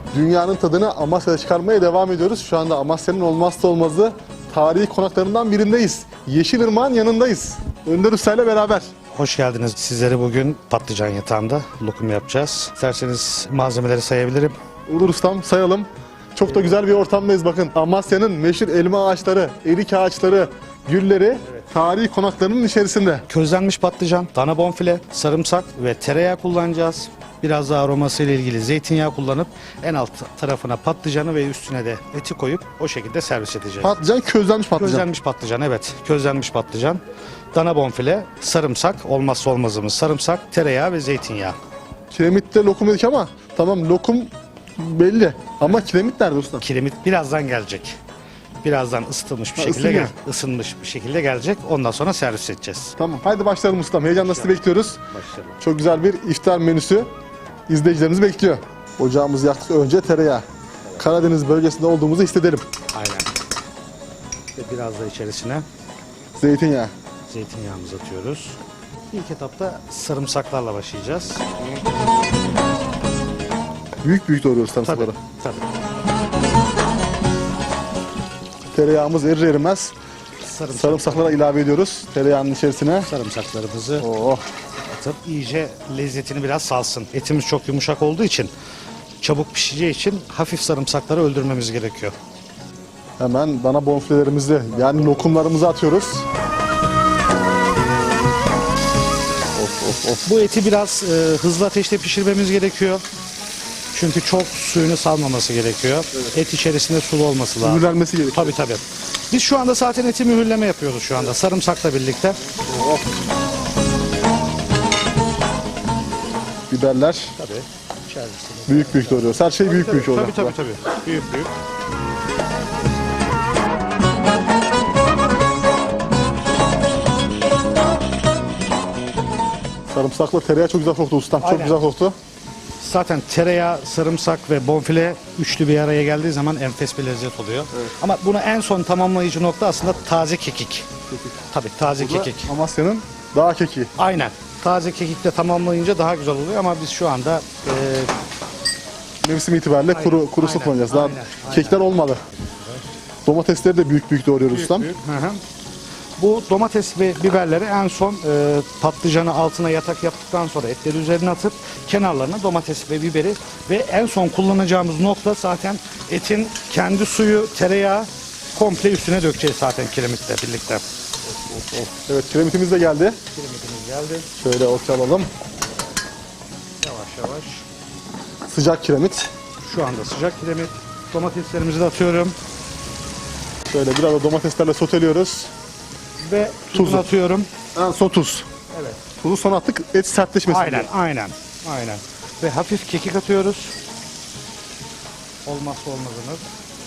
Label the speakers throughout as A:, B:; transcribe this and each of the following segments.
A: Dünyanın tadını Amasya'da çıkarmaya devam ediyoruz. Şu anda Amasya'nın olmazsa olmazı tarihi konaklarından birindeyiz. Yeşilırmak'ın yanındayız. Önder Usta ile beraber.
B: Hoş geldiniz. Sizlere bugün patlıcan yatağında lokum yapacağız. İsterseniz malzemeleri sayabilirim.
A: Olur ustam, sayalım. Çok da güzel bir ortamdayız bakın. Amasya'nın meşhur elma ağaçları, erik ağaçları, gülleri tarihi konaklarının içerisinde.
B: Közlenmiş patlıcan, dana bonfile, sarımsak ve tereyağı kullanacağız. Biraz daha aroması ile ilgili zeytinyağı kullanıp en alt tarafına patlıcanı ve üstüne de eti koyup o şekilde servis edeceğiz.
A: Patlıcan közlenmiş patlıcan.
B: Közlenmiş patlıcan, evet. Közlenmiş patlıcan, dana bonfile, sarımsak, olmazsa olmazımız sarımsak, tereyağı ve zeytinyağı.
A: Kiremitte lokum dedik ama tamam, lokum belli. Ama kiremit nerede usta?
B: Kiremit birazdan gelecek. Birazdan ısıtılmış bir şekilde
A: ısınıyor.
B: ısınmış bir şekilde gelecek. Ondan sonra servis edeceğiz.
A: Tamam, haydi başlayalım ustam. Heyecanla sizi bekliyoruz.
B: Başlayalım.
A: Çok güzel bir iftar menüsü izleyicilerimiz bekliyor. Ocağımızı yaktık, önce tereyağı. Karadeniz bölgesinde olduğumuzu hissedelim.
B: Aynen. Ve biraz da içerisine
A: Zeytinyağı.
B: zeytinyağımızı atıyoruz. İlk etapta sarımsaklarla başlayacağız.
A: Büyük büyük doğruyoruz
B: Tabii,
A: sarımsakları.
B: tabii.
A: Tereyağımız erir erimez sarımsaklara ilave ediyoruz tereyağının içerisine.
B: Sarımsaklarımızı
A: Oh.
B: atıp iyice lezzetini biraz salsın. Etimiz çok yumuşak olduğu için, çabuk pişeceği için hafif sarımsakları öldürmemiz gerekiyor.
A: Hemen dana bonfilelerimizi, yani lokumlarımızı atıyoruz. Of.
B: Bu eti biraz hızlı ateşte pişirmemiz gerekiyor. Çünkü çok suyunu salmaması gerekiyor. Et içerisinde sulu olması lazım.
A: Mühürlenmesi gerekiyor.
B: Tabii. Biz şu anda zaten eti mühürleme yapıyoruz şu anda sarımsakla birlikte.
A: Oh. Biberler
B: Tabii. İçerisinde.
A: büyük büyük doğruyoruz. Her şey büyük büyük olacak.
B: Tabii. Büyük.
A: Sarımsakla tereyağı çok güzel koktu ustam. Çok
B: Aynen.
A: güzel koktu.
B: Zaten tereyağı, sarımsak ve bonfile üçlü bir araya geldiği zaman enfes bir lezzet oluyor.
A: Evet.
B: Ama bunu en son tamamlayıcı nokta aslında taze kekik. Tabii taze
A: Bu da
B: kekik.
A: Amasya'nın dağ kekiği.
B: Aynen. Taze kekikle tamamlayınca daha güzel oluyor ama biz şu anda
A: Mevsim itibariyle
B: Aynen,
A: kuru
B: aynen,
A: sıkmayacağız. Daha
B: aynen.
A: kekler olmadı. Domatesleri de büyük büyük doğruyoruz ustam.
B: Hı hı. Bu domates ve biberleri en son patlıcanı altına yatak yaptıktan sonra etleri üzerine atıp kenarlarına domates ve biberi ve en son kullanacağımız nokta zaten etin kendi suyu, tereyağı komple üstüne dökeceğiz zaten kiremitle birlikte.
A: Evet, kiremitimiz de geldi.
B: Kiremitimiz geldi.
A: Şöyle ortaya alalım.
B: Yavaş.
A: Sıcak kiremit.
B: Şu anda sıcak kiremit. Domateslerimizi de atıyorum
A: Şöyle biraz da domateslerle soteliyoruz.
B: ve
A: Tuzu.
B: tuzunu atıyorum.
A: En son tuz.
B: Evet.
A: Tuzu son attık, et sertleşmesin diye.
B: Aynen. Ve hafif kekik atıyoruz. Olmazsa olmazımız.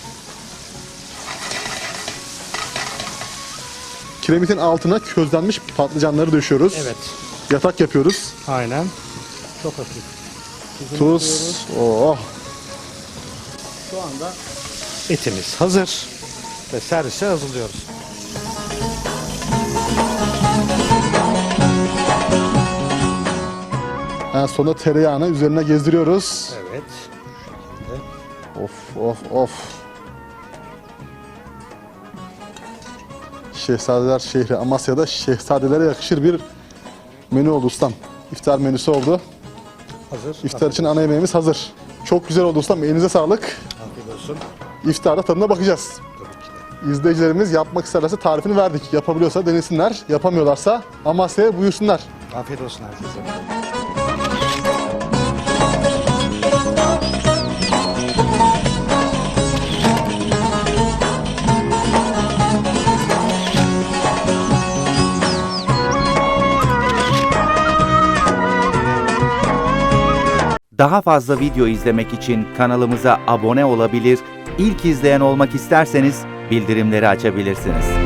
A: Kiremitin altına közlenmiş patlıcanları döşüyoruz.
B: Evet.
A: Yatak yapıyoruz.
B: Aynen. Çok hafif. Tuzunu
A: Tuz.
B: atıyoruz.
A: Oh.
B: Şu anda etimiz hazır ve servise hazırlıyoruz.
A: En sonunda tereyağını üzerine gezdiriyoruz.
B: Evet.
A: Of. Şehzadeler şehri Amasya'da şehzadelere yakışır bir menü oldu ustam. İftar menüsü oldu.
B: Hazır.
A: İftar için ana yemeğimiz hazır. Çok güzel oldu ustam. Elinize sağlık.
B: Afiyet olsun.
A: İftarda tadına bakacağız.
B: Tabii ki de.
A: İzleyicilerimiz yapmak isterlerse tarifini verdik. Yapabiliyorsa denesinler. Yapamıyorlarsa Amasya'ya buyursunlar.
B: Afiyet olsun herkese.
C: Daha fazla video izlemek için kanalımıza abone olabilir, ilk izleyen olmak isterseniz bildirimleri açabilirsiniz.